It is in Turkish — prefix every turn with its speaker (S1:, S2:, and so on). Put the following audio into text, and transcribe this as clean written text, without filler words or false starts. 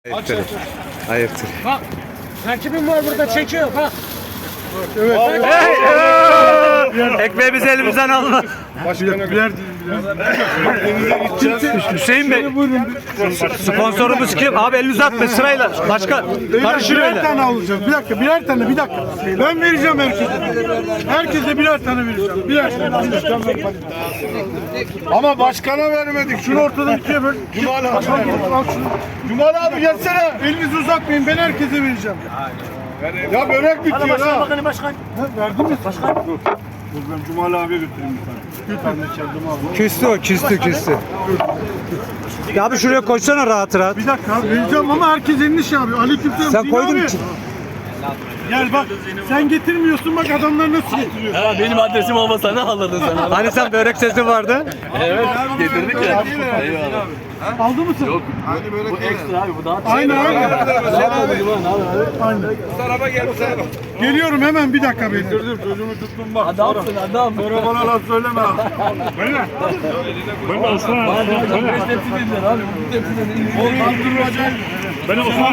S1: Ayıptır. Ayıptır.
S2: Bak, rakibim var burada çekiyor bak.
S1: Evet. Ekmeğimizi elimizden alma. Hüseyin Bey. Sponsorumuz kim? Abi elini uzatma sırayla. Başka karışır
S3: Birer
S1: öyle.
S3: tane alacağım. Bir dakika, birer tane, bir dakika. Ben vereceğim herkese. Herkese birer tane vereceğim. Birer tane. Ama başkana vermedik. Şunu ortadan ikiye böl. Cumal abi. Al şunu. Cumal abi gelsene. Elinizi uzatmayın. Ben herkese vereceğim. Ya börek bitiyor ha.
S2: Başkan.
S3: Verdin mi? Başkan. Dur. Dur ben Cumal abiye götüreyim bir tane. Bir tane kendim aldım.
S1: Küstü o, küstü. Ya abi şuraya koysana rahat rahat.
S3: Bir dakika abi vereceğim ama herkes elini şey yapıyor. Aleykümselam.
S1: Sen
S3: Din
S1: koydun
S3: abi.
S1: için.
S3: Gel bak. Sen getirmiyorsun bak adamlar nasıl getiriyor.
S4: Ha, benim adresim olmasa ne alırdın sen abi?
S1: Hani sen börek sesi vardı?
S4: Evet, getirdik ya. Eyvallah.
S3: Aldı mısın? Yok.
S4: Bu ekstra abi, bu daha
S3: Aynen abi. Geliyorum hemen bir dakika beni. Dur çocuğumu tuttum bak.
S4: adamsın adam.
S3: Sonra bana laf söyleme. Böyle. Ben Osman.
S4: Bana 5 tepsi dediler abi. Bu tepsiden iyi.
S3: Ben Osman.